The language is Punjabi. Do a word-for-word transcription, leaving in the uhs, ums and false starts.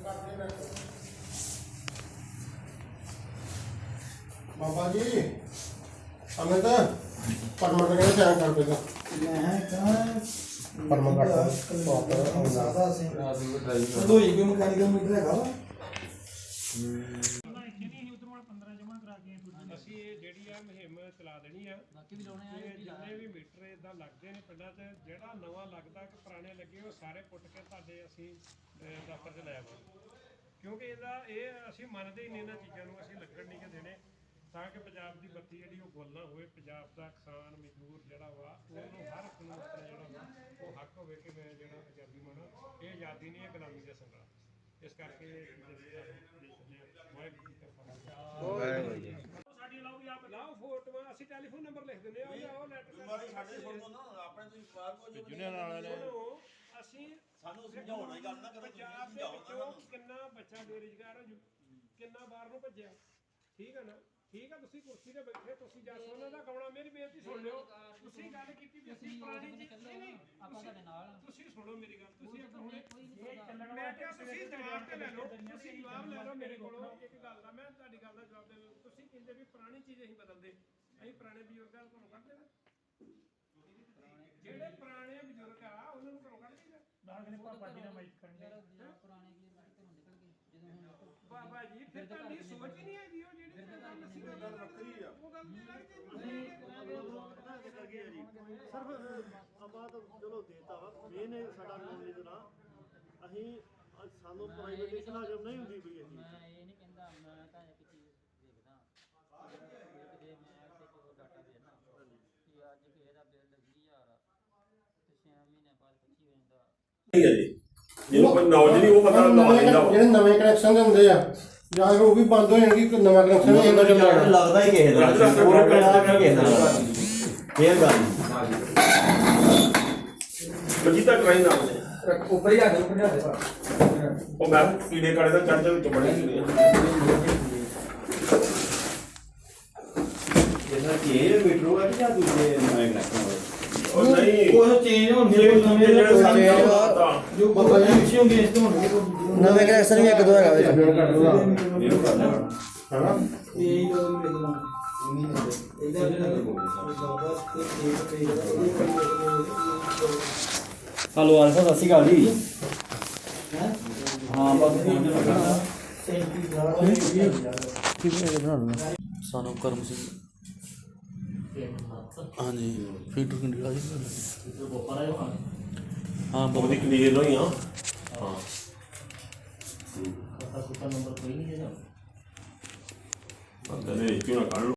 बाबा जी हमें तो परमट के चैन कर देगा परमट का ज्यादा से दो ही क्यों मैकेनिकल मीटर है गावा ਅਸੀਂ ਜਿਹੜੀ ਆ ਮੁਹਿੰਮ ਚਲਾ ਦੇਣੀ ਆ ਬਾਕੀ ਵੀ ਲਾਉਣੇ ਆ ਜਿੰਨੇ ਵੀ ਮੀਟਰ ਇਦਾਂ ਲੱਗਦੇ ਨੇ ਪਿੰਡਾਂ 'ਚ ਜਿਹੜਾ ਨਵਾਂ ਲੱਗਦਾ ਕਿ ਪੁਰਾਣੇ ਲੱਗੇ ਉਹ ਸਾਰੇ ਪੁੱਟ ਕੇ ਤੁਹਾਡੇ ਅਸੀਂ ਦਫ਼ਤਰ 'ਚ ਲੈ ਆਵਾਂਗੇ ਕਿਉਂਕਿ ਇਹਦਾ ਇਹ ਅਸੀਂ ਮੰਨਦੇ ਹੀ ਨਹੀਂ ਇਹਨਾਂ ਚੀਜ਼ਾਂ ਨੂੰ ਅਸੀਂ ਲੱਗਣ ਨਹੀਂ ਕਿ ਦੇਣੇ ਤਾਂ ਕਿ ਪੰਜਾਬ ਦੀ ਬੱਤੀ ਜਿਹੜੀ ਉਹ ਗੁੱਲ ਨਾ ਹੋਵੇ ਪੰਜਾਬ ਦਾ ਕਿਸਾਨ ਮਜ਼ਦੂਰ ਜਿਹੜਾ ਵਾ ਉਹਨੂੰ ਹਰ ਇੱਕ ਨੂੰ ਆਪਣਾ ਜਿਹੜਾ ਵਾ ਉਹ ਹੱਕ ਹੋਵੇ ਕਿ ਮੈਂ ਜਿਹੜਾ ਆਜ਼ਾਦੀ ਮਾਣਾ ਇਹ ਆਜ਼ਾਦੀ ਨਹੀਂ ਹੈ ਗੁਲਾਮੀ ਦਾ ਸੰਗਲਾ ਇਸ ਕਰਕੇ ਸਾਡੀ ਲਾਓ ਜਾਂ ਲਾਓ ਫੋਟੋਆਂ ਅਸੀਂ ਟੈਲੀਫੋਨ ਨੰਬਰ ਲਿਖ ਦਿੰਦੇ ਆ ਉਹ ਲੈਟਰ ਮਾਰੀ ਸਾਡੇ ਸੁਣ ਦੋ ਨਾ ਆਪਣੇ ਤੁਸੀਂ ਬਾਹਰ ਕੋ ਜੋ ਯੂਨੀਅਨ ਵਾਲਿਆਂ ਨੇ ਅਸੀਂ ਸਾਨੂੰ ਸਮਝਾਉਣਾ ਹੀ ਗੱਲ ਨਾ ਕਰੋ ਪੰਜਾਬ ਦੇ ਵਿੱਚੋਂ ਕਿੰਨਾ ਬੱਚਾ ਬੇਰੁਜ਼ਗਾਰ ਕਿੰਨਾ ਬਾਹਰ ਨੂੰ ਭੱਜਿਆ ਠੀਕ ਹੈ ਨਾ ਠੀਕ ਹੈ ਤੁਸੀਂ ਕੁਰਸੀ ਤੇ ਬੈਠੇ ਤੁਸੀਂ ਜਸਵੰਤ ਦਾ ਗਾਉਣਾ ਮੇਰੀ ਬੇਨਤੀ ਸੁਣ ਲਿਓ ਤੁਸੀਂ ਗੱਲ ਕੀਤੀ ਵੀ ਅਸੀਂ ਪੁਰਾਣੀ ਚੀਜ਼ ਨਹੀਂ ਆਪਾਂ ਤੁਹਾਡੇ ਨਾਲ ਤੁਸੀਂ ਸੁਣੋ ਮੇਰੀ ਗੱਲ ਤੁਸੀਂ ਇੱਕ ਹੁਣੇ ਮੈਂ ਕਿਹਾ ਤੁਸੀਂ ਜਵਾਬ ਤੇ ਲੈ ਲਓ ਤੁਸੀਂ ਜਵਾਬ ਲੈ ਲਓ ਮੇਰੇ ਕੋਲੋਂ ਇੱਕ ਗੱਲ ਦਾ ਮੈਂ ਤੁਹਾਡੀ ਗੱਲ ਦਾ ਜਵਾਬ ਦੇ ਤੁਸੀਂ ਕਹਿੰਦੇ ਵੀ ਪੁਰਾਣੀ ਚੀਜ਼ ਅਸੀਂ ਬਦਲਦੇ ਅਸੀਂ ਪੁਰਾਣੇ ਬਜ਼ੁਰਗਾਂ ਨੂੰ ਘਰੋਂ ਕੱਢ ਦੇਣਾ ਜਿਹੜੇ ਪੁਰਾਣੇ ਬਜ਼ੁਰਗ ਆ ਉਹਨਾਂ ਨੂੰ ਘਰੋਂ ਕੱਢ ਦੇਣਾ ਨਾਲ ਕਹਿੰਦੇ ਪਾਪਾ ਜੀ ਨਾਲ ਮਾਈਕ ਕਰਨਗੇ ਪੁਰਾਣੇ ਕੀ ਘਰੋਂ ਨਿਕਲ ਗਏ ਜਦੋਂ ਹੁਣ ਬਾਬਾ ਜੀ ਫਿਰ ਤੁਹਾਡੀ ਸੋਚ ਹੀ ਨਹੀਂ ਹੈਗੀ ਉਹ ਜਿਹੜੀ ਗੱਲ ਵੱਖਰੀ ਆ ਉਹ ਗੱਲ ਸਿਰਫ ਆਪਾਂ ਤਾਂ ਚਲੋ ਦੇਤਾ ਵਾ ਮੇਨ ਸਾਡਾ ਕਾਨੂੰਨ ਦੇ ਨਾਲ ਅਸੀਂ ਸਾਨੂੰ ਪ੍ਰਾਈਵੇਟੇਸ਼ਨ ਹਾਜ਼ਰ ਨਹੀਂ ਹੁੰਦੀ ਪਈ ਅਸੀਂ ਮੈਂ ਇਹ ਨਹੀਂ ਕਹਿੰਦਾ ਮੈਂ ਤਾਂ ਇੱਕ ਚੀਜ਼ ਦੇਖਦਾ ਜੇ ਮੈਂ ਤੇ ਕੋਈ ਡਾਟਾ ਦੇਣਾ ਕਿ ਅੱਜ ਕਿਸੇ ਦਾ ਬਿੱਲ ਵੀਹ ਹਜ਼ਾਰ ਆ ਤੇ ਛੇ ਮਹੀਨੇ ਬਾਅਦ ਪੱਚੀ ਹੋ ਜਾਂਦਾ ਨਹੀਂ ਹੈ ਜੀ ਜਿਹਨੂੰ ਕੋਈ ਨੌਲੇਜ ਨਹੀਂ ਉਹ ਬੰਦਾ ਨਵਾ ਲੈਂਦਾ ਜਿਹੜੇ ਨਵੇਂ ਕਨੈਕਸ਼ਨ ਦੇ ਹੁੰਦੇ ਆ ਜਾਂ ਉਹ ਵੀ ਬੰਦ ਹੋ ਜਾਣਗੇ ਕਿ ਨਵਾਂ ਕਨੈਕਸ਼ਨ ਇਹਦਾ ਚੱਲਣਾ ਲੱਗਦਾ ਹੀ ਕਿਸੇ ਦਾ ਪੂਰਾ ਪਿੰਡ ਕਿਸੇ ਦਾ ਫੇਰ ਗੱਲ ਬਜੀ ਤਾਂ ਕਰਾਈ ਨਾ ਉੱਪਰ ਹੀ ਆ ਜਾ ਉੱਪਰ ਜਾ ਦੇ ਉਹ ਮੈਂ ਕੀੜੇ ਕਾੜੇ ਦਾ ਚੜ੍ਹ ਵਿੱਚ ਬੜੇ ਕੀੜੇ ਜਿਹਦਾ ਕਿ ਇਹ ਮੀਟਰ ਆ ਕਿ ਜਾਂ ਦੂਜੇ ਨਵੇਂ ਕਨੈਕਸ਼ਨ ਉਹ ਨਹੀਂ ਕੋਈ ਚੇਂਜ ਹੋਣਗੇ ਕੋਈ ਨਵੇਂ ਜਿਹੜੇ ਸਾਡੇ ਜੋ ਬਾਬਾ ਜੀ ਪਿੱਛੇ ਹੋਣਗੇ ਇਸ ਤੋਂ ਹੋਣਗੇ ਨਵੇਂ ਕਨੈਕਸ਼ਨ ਵੀ ਇੱਕ ਦੋ ਹੈਗਾ ਵਿੱਚ ਇਹਨੂੰ ਕਰ ਲੈਣਾ ਹੈਨਾ ਇਹ ਦੋ ਮਿਲ ਜਾਣਾ ਹਲੋ ਆਲਫਾ ਸਤਿ ਸ਼੍ਰੀ ਅਕਾਲ ਜੀ ਹਾਂ ਬਸ ਫੋਨ ਤੇ ਲੱਗਾ ਸਾਨੂੰ ਕਰਮ ਸਿੰਘ ਹਾਂਜੀ ਫੀਟਰ ਕੰਡੀਲਾ ਜੀ ਹਾਂ ਬਹੁਤ ਉਹਦੀ ਕਲੀਅਰ ਹੋਈ ਆ ਹਾਂ ਨੰਬਰ ਕੋਈ ਨਹੀਂ ਜਿਹੜਾ ਅੰਦਰ ਨੇ ਕਿਉਂ ਨਾ ਕੱਢ